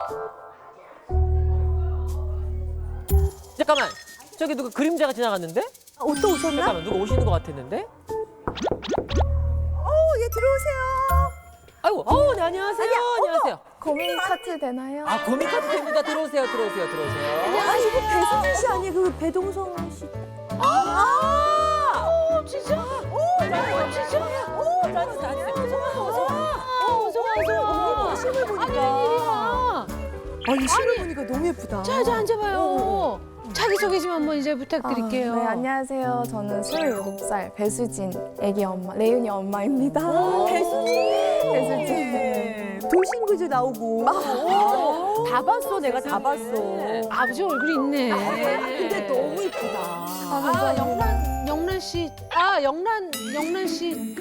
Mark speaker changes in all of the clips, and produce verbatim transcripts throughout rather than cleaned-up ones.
Speaker 1: 잠깐만. 저기 누가 그림자가 지나갔는데?
Speaker 2: 어, 또 오셨나?
Speaker 1: 잠깐만 누가 오시는 것 같았는데?
Speaker 2: 어, 예, 들어오세요.
Speaker 1: 아이고, 어, 네, 안녕하세요. 안녕하세요.
Speaker 3: 고민 카트 되나요?
Speaker 1: 아, 고민 카드 됩니다. 들어오세요, 들어오세요, 들어오세요.
Speaker 2: 아, 이거 배수진 씨 아니에요? 그 배동성 씨.
Speaker 1: 아! 오, 진짜? 오, 나 진짜? 오, 나 진짜. 어서 와. 어서 와, 어서 와.
Speaker 2: 심을 보니까.
Speaker 4: 웬일이야?
Speaker 2: 아니, 심을 보니까 너무 예쁘다.
Speaker 4: 자, 자, 앉아봐요. 자기소개 좀 한번 이제 부탁드릴게요.
Speaker 3: 아, 네, 안녕하세요. 저는 스물일곱 살 배수진 애기 엄마, 레윤이 엄마입니다.
Speaker 2: 배수진.
Speaker 3: 배수진.
Speaker 2: 네. 돌싱그즈 나오고.
Speaker 3: 아.
Speaker 2: 다 봤어, 내가 다 봤어.
Speaker 4: 아버지 얼굴이 있네.
Speaker 2: 근데 너무 예쁘다.
Speaker 4: 아, 영란, 영란 씨. 아, 영란, 영란 씨.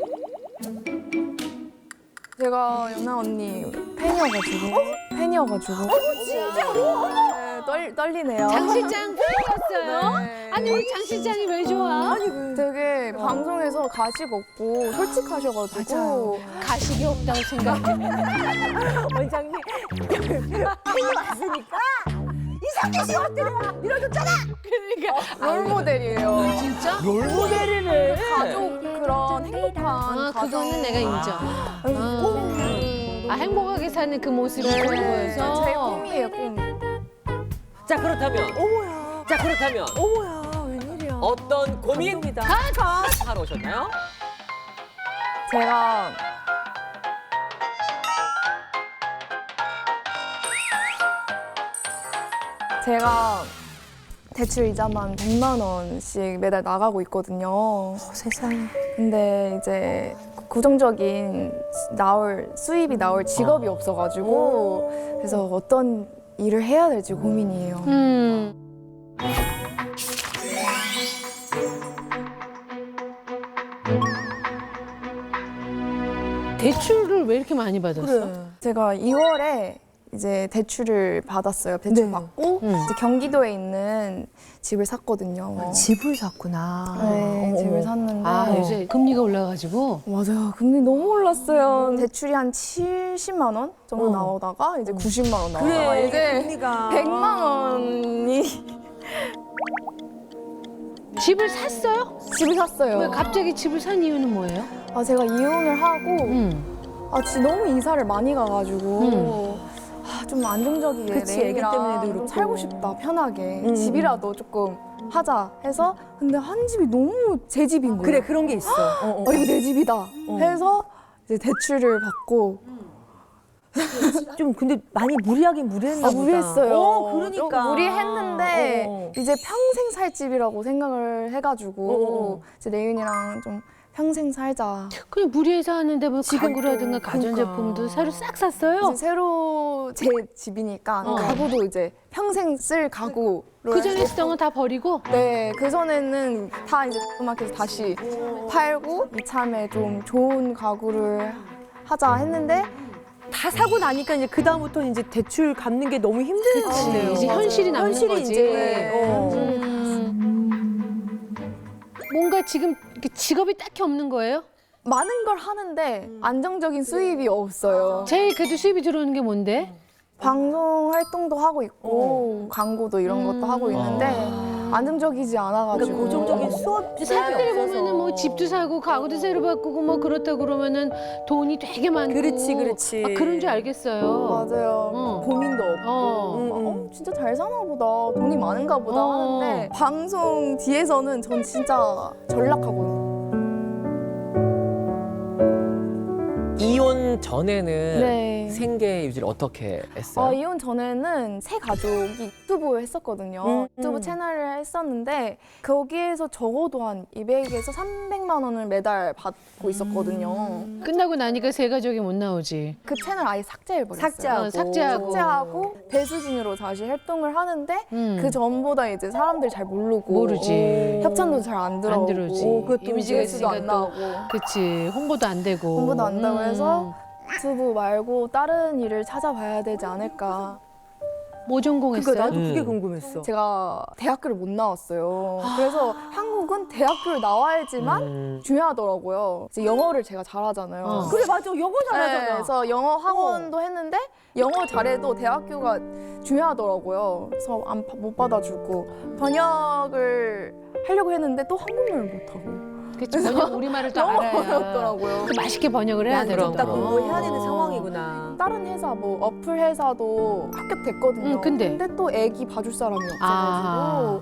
Speaker 3: 제가 연아 언니 팬이어가지고. 팬이어가지고.
Speaker 2: 진짜로?
Speaker 3: 네, 떨, 떨리네요.
Speaker 4: 장 실장 팬이었어요?
Speaker 3: 네.
Speaker 4: 아니, 우리 장 실장이 왜 좋아?
Speaker 2: 아니, 왜.
Speaker 3: 되게 방송에서 가식 없고 솔직하셔가지고.
Speaker 4: 가식이 없다고 생각해.
Speaker 2: 원장님. 팬이 왔으니까 이상규 씨 어때요? 밀어줬잖아.
Speaker 4: 그러니까.
Speaker 3: 롤 모델이에요.
Speaker 4: 진짜?
Speaker 2: 롤모델을 해.
Speaker 3: 가족 그런 행복한
Speaker 4: 아,
Speaker 3: 가족.
Speaker 4: 그거는 내가 인정. 아, 아, 행복하게 사는 그 모습이
Speaker 3: 네,
Speaker 4: 보여서.
Speaker 3: 제 꿈이에요, 꿈.
Speaker 1: 자, 그렇다면.
Speaker 2: 어머야.
Speaker 1: 자, 그렇다면.
Speaker 2: 어머야, 웬일이야.
Speaker 1: 어떤 고민
Speaker 2: 감동이다.
Speaker 1: 하러 오셨나요?
Speaker 3: 제가 제가 대출 이자만 백만 원씩 매달 나가고 있거든요.
Speaker 2: 어, 세상에.
Speaker 3: 근데 이제 고정적인 나올 수입이 나올 직업이 없어가지고 그래서 어떤 일을 해야 될지 고민이에요.
Speaker 4: 음. 대출을 왜 이렇게 많이 받았어?
Speaker 2: 그래.
Speaker 3: 제가 이월에 이제 대출을 받았어요. 대출
Speaker 2: 네.
Speaker 3: 받고
Speaker 4: 음.
Speaker 3: 이제 경기도에 있는 집을 샀거든요.
Speaker 2: 집을 샀구나.
Speaker 3: 네,
Speaker 2: 어머,
Speaker 3: 집을
Speaker 2: 어머.
Speaker 3: 샀는데
Speaker 4: 아, 요새 금리가 올라가지고.
Speaker 3: 맞아요. 금리 너무 올랐어요. 대출이 한 칠십만 원 정도
Speaker 2: 어.
Speaker 3: 나오다가 이제 구십만 원 나오다가
Speaker 2: 그래,
Speaker 3: 이제
Speaker 2: 금리가.
Speaker 3: 백만 원이
Speaker 4: 집을 샀어요?
Speaker 3: 집을 샀어요.
Speaker 4: 왜 갑자기 집을 산 이유는 뭐예요?
Speaker 3: 아, 제가 이혼을 하고
Speaker 4: 음.
Speaker 3: 아, 진짜 너무 이사를 많이 가가지고
Speaker 4: 음.
Speaker 3: 아, 좀 안정적이게
Speaker 2: 그치,
Speaker 3: 내
Speaker 2: 애기
Speaker 3: 애기랑
Speaker 2: 때문에도
Speaker 3: 좀
Speaker 2: 그렇고.
Speaker 3: 살고 싶다, 편하게.
Speaker 2: 음.
Speaker 3: 집이라도 조금 하자 해서 근데 한 집이 너무 제 집인 거예요.
Speaker 2: 그래, 그런 게 있어. 어, 어.
Speaker 3: 어, 이거 내 집이다 해서 이제 대출을 받고
Speaker 2: 좀 근데 많이 무리하긴 무리했나
Speaker 3: 아,
Speaker 2: 보다.
Speaker 3: 무리했어요.
Speaker 2: 어, 그러니까.
Speaker 3: 좀 무리했는데
Speaker 2: 어, 어.
Speaker 3: 이제 평생 살 집이라고 생각을 해가지고
Speaker 2: 어, 어.
Speaker 3: 이제 레윤이랑 좀 평생 살자.
Speaker 4: 그냥 무리해서 하는데 뭐
Speaker 3: 지금
Speaker 4: 가구라든가
Speaker 3: 또,
Speaker 4: 가전제품도
Speaker 2: 그러니까.
Speaker 4: 새로 싹 샀어요?
Speaker 3: 이제 새로 제 집이니까
Speaker 4: 어.
Speaker 3: 가구도 이제 평생 쓸 가구로
Speaker 4: 그 전에 쓰던 거 다 버리고?
Speaker 3: 네, 그 전에는 다 이제 마켓에서 다시 팔고 이참에 좀 좋은 가구를 하자 했는데
Speaker 2: 다 사고 나니까 이제 그 다음부터 이제 대출 갚는 게 너무 힘들어지네요.
Speaker 4: 이제 현실이 남는
Speaker 2: 현실이
Speaker 4: 거지.
Speaker 2: 이제. 어.
Speaker 4: 음. 뭔가 지금 이렇게 직업이 딱히 없는 거예요?
Speaker 3: 많은 걸 하는데 안정적인 수입이 없어요.
Speaker 4: 제일 그래도 수입이 들어오는 게 뭔데?
Speaker 3: 방송 활동도 하고 있고 광고도 이런 것도 하고 있는데 안정적이지 않아가지고
Speaker 2: 그러니까 고정적인 수업 수입이
Speaker 4: 사람들이
Speaker 2: 없어서.
Speaker 4: 보면은 뭐 집도 사고 가구도 새로 바꾸고 뭐 그렇다 그러면은 돈이 되게 많고
Speaker 2: 그렇지, 그렇지.
Speaker 4: 아, 그런 줄 알겠어요.
Speaker 3: 맞아요.
Speaker 4: 어.
Speaker 3: 고민도 없고
Speaker 4: 어.
Speaker 2: 음, 음.
Speaker 3: 어, 진짜 잘 사나 보다. 돈이 많은가 보다
Speaker 4: 어.
Speaker 3: 하는데 방송 뒤에서는 전 진짜 전락하고
Speaker 1: 이혼 전에는
Speaker 3: 네.
Speaker 1: 생계 유지를 어떻게 했어요?
Speaker 3: 어, 이혼 전에는 새 가족이 유튜브 했었거든요.
Speaker 2: 음,
Speaker 3: 유튜브
Speaker 2: 음.
Speaker 3: 채널을 했었는데 거기에서 적어도 한 이백에서 삼백만 원을 매달 받고 있었거든요.
Speaker 4: 끝나고 나니까 세 가족이 못 나오지.
Speaker 3: 그 채널 아예 삭제해버렸어요.
Speaker 2: 삭제하고.
Speaker 4: 어, 삭제하고.
Speaker 3: 삭제하고 배수진으로 다시 활동을 하는데
Speaker 4: 음.
Speaker 3: 그 전보다 이제 사람들이 잘 모르고
Speaker 4: 모르지.
Speaker 3: 협찬도 잘 안 들어오고
Speaker 4: 들어오지.
Speaker 3: 오, 그것도
Speaker 4: 이미지가
Speaker 3: 조회수도 안
Speaker 4: 있으니까 또.
Speaker 3: 나오고
Speaker 4: 그치. 홍보도 안 되고.
Speaker 3: 홍보도 안 되고
Speaker 4: 음.
Speaker 3: 해서 유튜브 말고 다른 일을 찾아봐야 되지 않을까.
Speaker 4: 뭐 전공했어요?
Speaker 2: 그러니까 나도 그게
Speaker 5: 음.
Speaker 2: 궁금했어.
Speaker 3: 제가 대학교를 못 나왔어요. 그래서 한국은 대학교를 나와야지만
Speaker 5: 음.
Speaker 3: 중요하더라고요. 이제 영어를 제가 잘하잖아요.
Speaker 4: 어.
Speaker 2: 그래 맞아 영어
Speaker 3: 네,
Speaker 2: 잘하잖아.
Speaker 3: 그래서 영어 학원도 했는데 영어 잘해도 대학교가 중요하더라고요. 그래서 안, 파- 못 받아주고 번역을 하려고 했는데 또 한국말을 못하고
Speaker 4: 그치, 번역 우리말을 또
Speaker 3: 너무
Speaker 4: 알아야
Speaker 3: 어렵더라고요.
Speaker 4: 그 맛있게 번역을 해야
Speaker 5: 그럼,
Speaker 2: 딱
Speaker 4: 되거든.
Speaker 2: 공부해야 되는 상황이구나.
Speaker 3: 다른 회사 뭐 어플 회사도 합격됐거든요.
Speaker 4: 응, 근데?
Speaker 3: 또 애기 봐줄 사람이 없어가지고
Speaker 4: 아.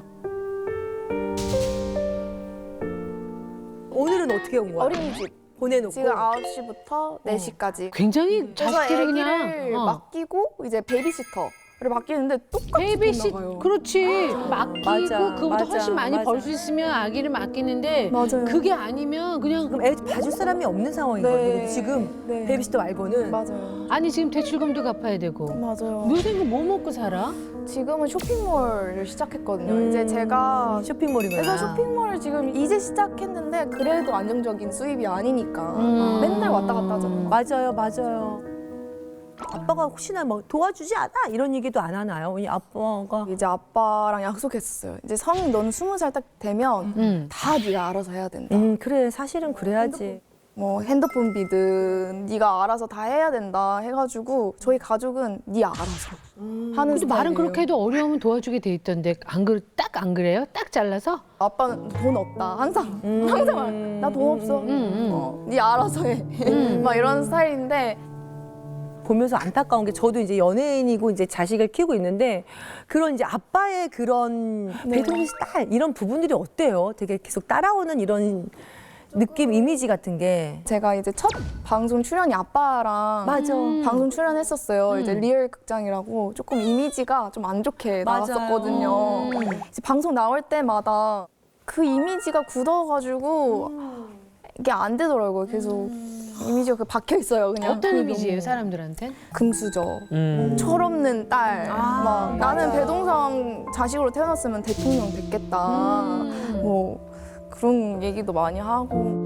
Speaker 2: 오늘은 어떻게 온 거야?
Speaker 3: 어린이집
Speaker 2: 보내놓고.
Speaker 3: 지금 아홉 시부터 네 시까지
Speaker 4: 굉장히
Speaker 3: 그래서
Speaker 4: 자식들을
Speaker 3: 애기를
Speaker 4: 그냥 어.
Speaker 3: 맡기고 이제 베이비시터를 맡기는데 똑같이
Speaker 4: 베이비시
Speaker 3: 돈 나가요.
Speaker 4: 그렇지 맡기고
Speaker 2: 맞아,
Speaker 4: 그거보다
Speaker 2: 맞아,
Speaker 4: 훨씬 많이
Speaker 2: 맞아.
Speaker 4: 벌 수 있으면 아기를 맡기는데
Speaker 3: 맞아요.
Speaker 4: 그게 아니면 그냥
Speaker 2: 그럼 애 봐줄 사람이 없는 상황이거든요.
Speaker 3: 네.
Speaker 2: 근데 지금
Speaker 3: 네.
Speaker 2: 베이비시터 말고는.
Speaker 3: 맞아요.
Speaker 4: 아니 지금 대출금도 갚아야 되고
Speaker 3: 맞아요.
Speaker 4: 요새는 뭐 먹고 살아?
Speaker 3: 지금은 쇼핑몰을 시작했거든요.
Speaker 2: 음.
Speaker 3: 이제 제가
Speaker 2: 쇼핑몰이구나.
Speaker 3: 그래서 쇼핑몰을 지금 이제 시작했는데 그래도 안정적인 수입이 아니니까
Speaker 4: 음.
Speaker 3: 맨날 왔다 갔다 하잖아요.
Speaker 2: 맞아요, 맞아요. 아빠가 혹시나 뭐 도와주지 않아? 이런 얘기도 안 하나요? 우리 아빠가.
Speaker 3: 이제 아빠랑 약속했었어요. 이제 성인 너는 스무 살 딱 되면
Speaker 4: 음.
Speaker 3: 다 네가 알아서 해야 된다.
Speaker 2: 음, 그래. 사실은 그래야지.
Speaker 3: 뭐 핸드폰 비든 네가 알아서 다 해야 된다 해가지고 저희 가족은 네 알아서 하는
Speaker 4: 근데
Speaker 3: 스타일이에요.
Speaker 4: 말은 그렇게 해도 어려우면 도와주게 돼 있던데 안 그래 딱 안 그래요? 딱 잘라서?
Speaker 3: 아빠는 돈 없다 항상
Speaker 2: 음.
Speaker 3: 항상 나 돈 없어.
Speaker 4: 음, 음.
Speaker 3: 어, 네 알아서 해.
Speaker 4: 음.
Speaker 3: 막 이런 스타일인데
Speaker 2: 보면서 안타까운 게 저도 이제 연예인이고 이제 자식을 키우고 있는데 그런 이제 아빠의 그런
Speaker 3: 네.
Speaker 2: 배동시 딸 이런 부분들이 어때요? 되게 계속 따라오는 이런 느낌, 이미지 같은 게.
Speaker 3: 제가 이제 첫 방송 출연이 아빠랑
Speaker 2: 맞아.
Speaker 3: 방송 출연했었어요.
Speaker 4: 음.
Speaker 3: 이제 리얼 극장이라고 조금 이미지가 좀 안 좋게
Speaker 2: 맞아요.
Speaker 3: 나왔었거든요.
Speaker 4: 음.
Speaker 3: 이제 방송 나올 때마다 그 이미지가 굳어가지고 이게 안 되더라고요. 계속 이미지가 그 박혀 있어요. 그냥
Speaker 4: 어떤
Speaker 3: 그
Speaker 4: 이미지예요
Speaker 3: 너무
Speaker 4: 사람들한테?
Speaker 3: 금수저,
Speaker 5: 음.
Speaker 3: 철없는 딸,
Speaker 2: 아,
Speaker 3: 막 나는
Speaker 2: 맞아요.
Speaker 3: 배동상 자식으로 태어났으면 대통령 됐겠다.
Speaker 4: 음.
Speaker 3: 뭐 그런 얘기도 많이 하고.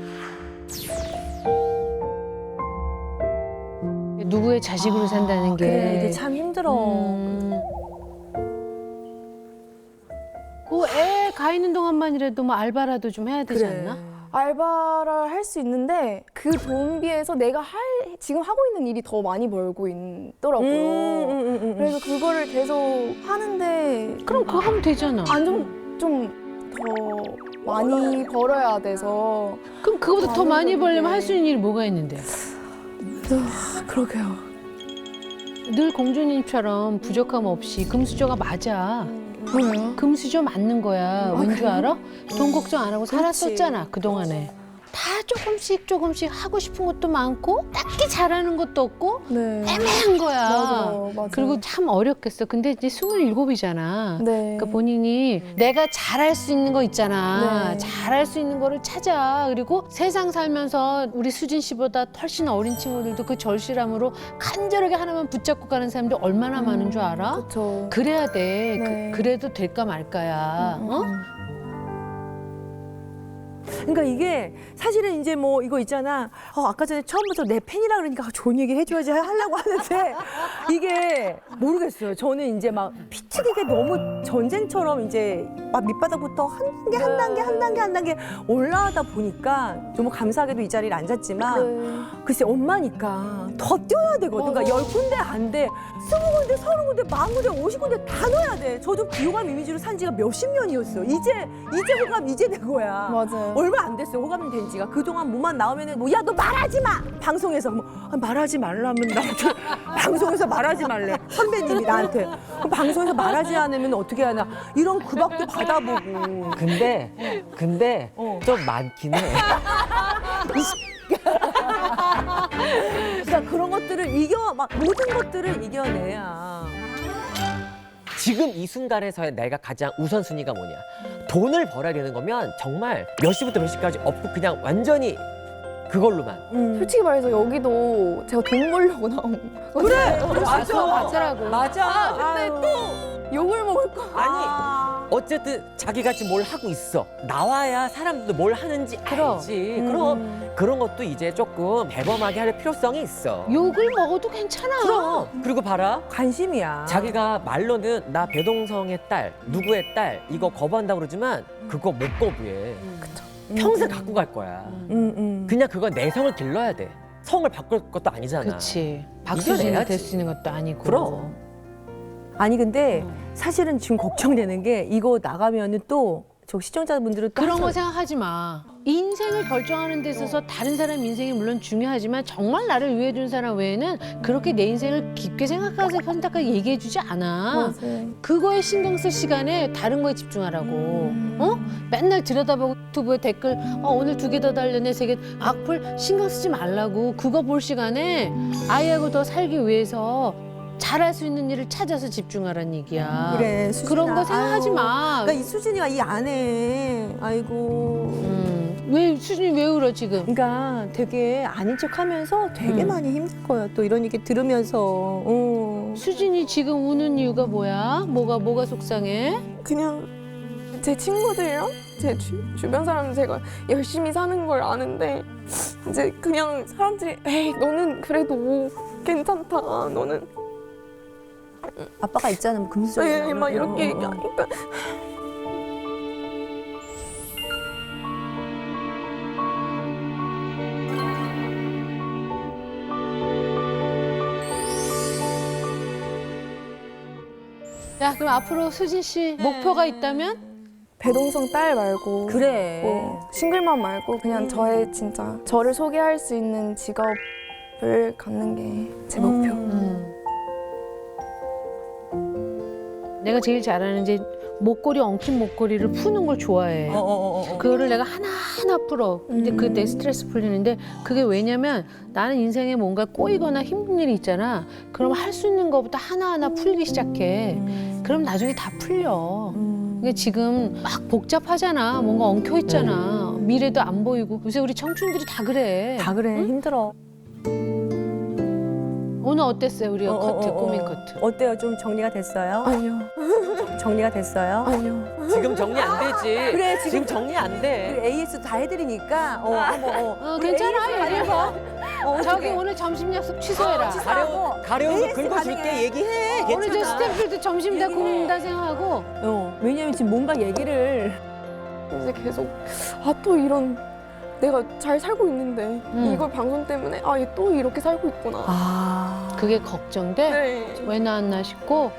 Speaker 4: 누구의 자식으로 산다는 게
Speaker 2: 그래, 이게 참 힘들어.
Speaker 4: 음. 그애 가 있는 동안만이라도 뭐 알바라도 좀 해야 되지
Speaker 2: 그래.
Speaker 4: 않나?
Speaker 3: 알바를 할 수 있는데 그 돈 비해서 내가 할 지금 하고 있는 일이 더 많이 벌고 있더라고요.
Speaker 2: 음, 음, 음, 음.
Speaker 3: 그래서 그거를 계속 하는데
Speaker 4: 그럼 그거 하면 되잖아.
Speaker 3: 안좀좀 더 많이 벌어야 돼서
Speaker 4: 그럼 그거보다 더 많이 벌려면 할 수 있는 일이 뭐가 있는데?
Speaker 3: 그러게요.
Speaker 4: 늘 공주님처럼 부족함 없이 금수저가 맞아.
Speaker 3: 뭐예요?
Speaker 4: 금수저 맞는 거야. 왠 줄 알아? 돈 걱정 안 하고 살았었잖아 그동안에. 다 조금씩 조금씩 하고 싶은 것도 많고 딱히 잘하는 것도 없고
Speaker 3: 네.
Speaker 4: 애매한 거야.
Speaker 3: 맞아요, 맞아요.
Speaker 4: 그리고 참 어렵겠어. 근데 이제 스물일곱이잖아.
Speaker 3: 네.
Speaker 4: 그러니까 본인이 내가 잘할 수 있는 거 있잖아.
Speaker 3: 네.
Speaker 4: 잘할 수 있는 거를 찾아. 그리고 세상 살면서 우리 수진 씨보다 훨씬 어린 친구들도 그 절실함으로 간절하게 하나만 붙잡고 가는 사람들 얼마나 많은 줄 알아?
Speaker 3: 그렇죠.
Speaker 4: 그래야 돼.
Speaker 3: 네.
Speaker 4: 그, 래도 될까 말까야. 어?
Speaker 2: 그러니까 이게 사실은 이제 뭐 이거 있잖아. 어, 아까 전에 처음부터 내 팬이라 그러니까 좋은 얘기 해줘야지 하려고 하는데 이게 모르겠어요. 저는 이제 막 피튀기게 너무 전쟁처럼 이제 막 밑바닥부터 한 단계 한 단계 한 단계 한 단계 올라가다 보니까 너무 감사하게도 이 자리를 앉았지만
Speaker 3: 네.
Speaker 2: 글쎄 엄마니까 더 뛰어야 되거든. 그러니까 열 군데 안 돼. 스무 군데, 서른 군데, 만 군데, 오십 군데 다 넣어야 돼. 저도 비호감 이미지로 산 지가 몇십 년이었어요. 이제 이제 호감 이제 된 거야.
Speaker 3: 맞아요.
Speaker 2: 얼마 안 됐어요. 호감이 된 지가. 그동안 뭐만 나오면은 뭐 야 너 말하지 마. 방송에서 뭐 아, 말하지 말라면 나한테 방송에서 말하지 말래. 선배님이 나한테 그럼 방송에서 말하지 않으면 어떻게 하나 이런 구박도 받아보고.
Speaker 5: 근데 근데
Speaker 2: 어.
Speaker 5: 좀 많긴 해.
Speaker 2: 그러니까 그런 것들을 이겨 막 모든 것들을 이겨내야.
Speaker 5: 지금 이 순간에서의 내가 가장 우선순위가 뭐냐? 돈을 벌어야 되는 거면 정말 몇 시부터 몇 시까지 없고 그냥 완전히 그걸로만.
Speaker 2: 음.
Speaker 3: 솔직히 말해서 여기도 제가 돈 벌려고 나온
Speaker 2: 그래
Speaker 3: 거잖아요.
Speaker 2: 맞아
Speaker 4: 맞더라고.
Speaker 2: 맞아.
Speaker 3: 근데
Speaker 2: 아유.
Speaker 3: 또 욕을 먹을 거.
Speaker 5: 아니 어쨌든 자기같이 뭘 하고 있어. 나와야 사람들도 뭘 하는지
Speaker 4: 그럼.
Speaker 5: 알지.
Speaker 2: 음.
Speaker 5: 그럼 그런 것도 이제 조금 대범하게 할 필요성이 있어.
Speaker 4: 욕을 먹어도 괜찮아.
Speaker 5: 그럼. 그리고 봐라.
Speaker 2: 관심이야.
Speaker 5: 자기가 말로는 나 배동성의 딸, 누구의 딸 이거 거부한다고 그러지만 그거 못 거부해. 평생 갖고 갈 거야.
Speaker 2: 음, 음.
Speaker 5: 그냥 그건 내 성을 길러야 돼. 성을 바꿀 것도 아니잖아.
Speaker 4: 그렇지. 박수진이
Speaker 5: 이겨내야지.
Speaker 4: 될 수 있는 것도 아니고.
Speaker 5: 그럼.
Speaker 2: 아니 근데 사실은 지금 걱정되는 게 이거 나가면은 또 저 시청자분들은 또
Speaker 4: 그런
Speaker 2: 하죠.
Speaker 4: 거 생각하지 마. 인생을 결정하는 데 있어서 다른 사람 인생이 물론 중요하지만 정말 나를 위해 준 사람 외에는 그렇게 내 인생을 깊게 생각해서 선택하게 얘기해 주지 않아.
Speaker 3: 맞아요.
Speaker 4: 그거에 신경 쓸 시간에 다른 거에 집중하라고. 어? 맨날 들여다보고 유튜브에 댓글 어, 오늘 두 개 더 달렸네 세 개 악플 신경 쓰지 말라고. 그거 볼 시간에 아이하고 더 살기 위해서 잘할 수 있는 일을 찾아서 집중하라는 얘기야.
Speaker 2: 그래 수진아.
Speaker 4: 그런 거 생각하지
Speaker 2: 아유,
Speaker 4: 마.
Speaker 2: 그러니까 이 수진이가 이 안에 아이고.
Speaker 4: 음, 왜 수진이 왜 울어 지금?
Speaker 2: 그러니까 되게 아닌 척하면서 되게
Speaker 4: 음.
Speaker 2: 많이 힘들 거야. 또 이런 얘기 들으면서. 어.
Speaker 4: 수진이 지금 우는 이유가 뭐야? 뭐가 뭐가 속상해?
Speaker 3: 그냥 제 친구들이랑 제 주, 주변 사람 제가 열심히 사는 걸 아는데 이제 그냥 사람들이 에이 너는 그래도 괜찮다. 너는
Speaker 2: 아빠가 있잖아, 뭐 금수저야.
Speaker 3: 에이 막 이렇게
Speaker 2: 어, 어, 어.
Speaker 3: 얘기하니까
Speaker 4: 야 그럼 앞으로 수진 씨 목표가 있다면?
Speaker 3: 배동성 딸 말고
Speaker 2: 그래.
Speaker 3: 뭐 싱글맘 말고 그냥 저의 진짜 저를 소개할 수 있는 직업을 갖는 게 제 목표.
Speaker 4: 음. 내가 제일 잘하는 이제 목걸이 엉킨 목걸이를 푸는 걸 좋아해.
Speaker 2: 어, 어, 어, 어.
Speaker 4: 그거를 내가 하나하나 풀어. 근데 그 내 스트레스 풀리는데 그게 왜냐면 나는 인생에 뭔가 꼬이거나 힘든 일이 있잖아. 그럼 할 수 있는 것부터 하나하나 풀기 시작해. 그럼 나중에 다 풀려. 근데 지금 막 복잡하잖아. 뭔가 엉켜 있잖아. 미래도 안 보이고. 요새 우리 청춘들이 다 그래.
Speaker 2: 다 그래, 힘들어.
Speaker 4: 오늘 어땠어요? 우리
Speaker 2: 어, 어,
Speaker 4: 커트,
Speaker 2: 어, 어.
Speaker 4: 고민 커트.
Speaker 2: 어때요? 좀 정리가 됐어요?
Speaker 3: 아니요,
Speaker 2: 정리가 됐어요?
Speaker 3: 아니요.
Speaker 5: 지금 정리 안 되지.
Speaker 2: 그래, 지금
Speaker 5: 지금 정리 안 돼.
Speaker 2: 그리고 에이에스도 다 해드리니까 어, 한번 어.
Speaker 4: 어,
Speaker 2: 우리
Speaker 4: 괜찮아.
Speaker 2: 에이에스
Speaker 4: 얘기해봐.
Speaker 2: 어,
Speaker 4: 저기
Speaker 2: 어떡해.
Speaker 4: 오늘 점심 약속 취소해라.
Speaker 2: 취소하고
Speaker 5: 가려운 거
Speaker 2: 에이에스
Speaker 5: 긁어줄게.
Speaker 2: 가능해.
Speaker 5: 얘기해.
Speaker 4: 오늘 저
Speaker 5: 괜찮아.
Speaker 4: 스태프들도 점심 다
Speaker 2: 얘기해.
Speaker 4: 굶는다 생각하고.
Speaker 2: 어, 왜냐면 지금 뭔가 얘기를
Speaker 3: 이제 계속 아 또 이런 내가 잘 살고 있는데
Speaker 4: 음.
Speaker 3: 이걸 방송 때문에 아 얘 또 이렇게 살고 있구나.
Speaker 2: 아
Speaker 4: 그게 걱정돼?
Speaker 3: 네.
Speaker 4: 왜 나왔나 싶고.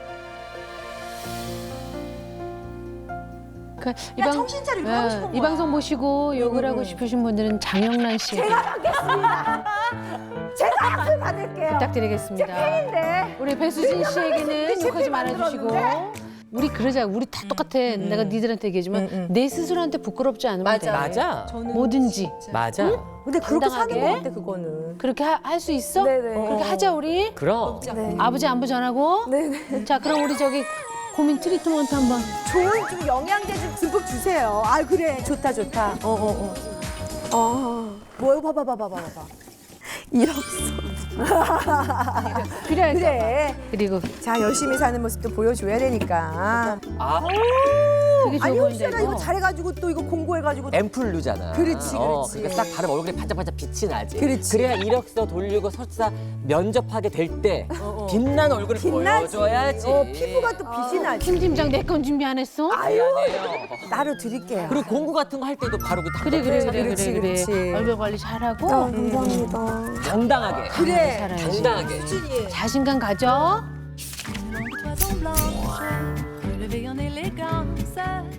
Speaker 4: 그, 이, 방,
Speaker 2: 정신 차리고
Speaker 4: 예,
Speaker 2: 하고 싶은
Speaker 4: 이
Speaker 2: 거야.
Speaker 4: 방송 보시고 욕을 하고 싶으신 분들은 장영란 씨
Speaker 2: 제가 받겠습니다. 제가 약속 받을게요.
Speaker 4: 부탁드리겠습니다.
Speaker 2: 네.
Speaker 4: 우리 배수진 씨에게는 욕하지 말아주시고. 우리 그러자. 우리 다 똑같아. 내가 니들한테 얘기하지만
Speaker 2: 음, 음.
Speaker 4: 내 스스로한테 부끄럽지 않으면 돼.
Speaker 5: 맞아.
Speaker 4: 뭐든지.
Speaker 5: 맞아.
Speaker 2: 근데 그렇게 사는
Speaker 4: 당당하게.
Speaker 2: 것 같아 그거는.
Speaker 4: 그렇게 할 수 있어?
Speaker 3: 네네.
Speaker 4: 그렇게 하자 우리.
Speaker 5: 그럼.
Speaker 3: 네.
Speaker 4: 아버지 안부 전하고.
Speaker 3: 네네.
Speaker 4: 자 그럼 우리 저기 고민 트리트먼트 한번.
Speaker 2: 좋은 좀 영양제 좀 듬뿍 주세요. 아 그래 좋다 좋다. 어어 어.
Speaker 3: 아
Speaker 2: 뭐 봐봐 봐봐 봐봐 봐봐.
Speaker 3: 이력서.
Speaker 4: 필요할 까
Speaker 2: 그래.
Speaker 4: 그리고
Speaker 2: 자 열심히 사는 모습도 보여줘야 되니까.
Speaker 5: 아,
Speaker 4: 되게 좋아
Speaker 2: 아니
Speaker 4: 보인다
Speaker 2: 혹시나
Speaker 4: 이거.
Speaker 2: 이거 잘해가지고 또 이거 공고해가지고.
Speaker 5: 앰플루잖아.
Speaker 2: 그렇지,
Speaker 5: 어,
Speaker 2: 그렇지.
Speaker 5: 그러니까 딱 바로 얼굴에 반짝반짝 빛이 나지.
Speaker 2: 그렇지.
Speaker 5: 래야 이력서 돌리고 설사 면접하게 될 때
Speaker 2: 어.
Speaker 5: 빛난 얼굴을
Speaker 2: 빛나지.
Speaker 5: 보여줘야지.
Speaker 2: 어 피부가 또 빛이 나지.
Speaker 4: 김 팀장 내 건 준비 안 했어?
Speaker 5: 미안해요.
Speaker 2: 따로 드릴게요.
Speaker 5: 그리고 공구 같은 거 할 때도 바로 그
Speaker 4: 그래 그래 그래 그래
Speaker 2: 그렇지,
Speaker 4: 그래.
Speaker 2: 그렇지.
Speaker 4: 얼굴 관리 잘하고
Speaker 3: 아, 감사합니다.
Speaker 5: 당당하게.
Speaker 2: 그래.
Speaker 4: 살아야지.
Speaker 5: 당당하게.
Speaker 2: 수진이.
Speaker 4: 자신감 가져.
Speaker 6: Toison blanche, relevé en élégance.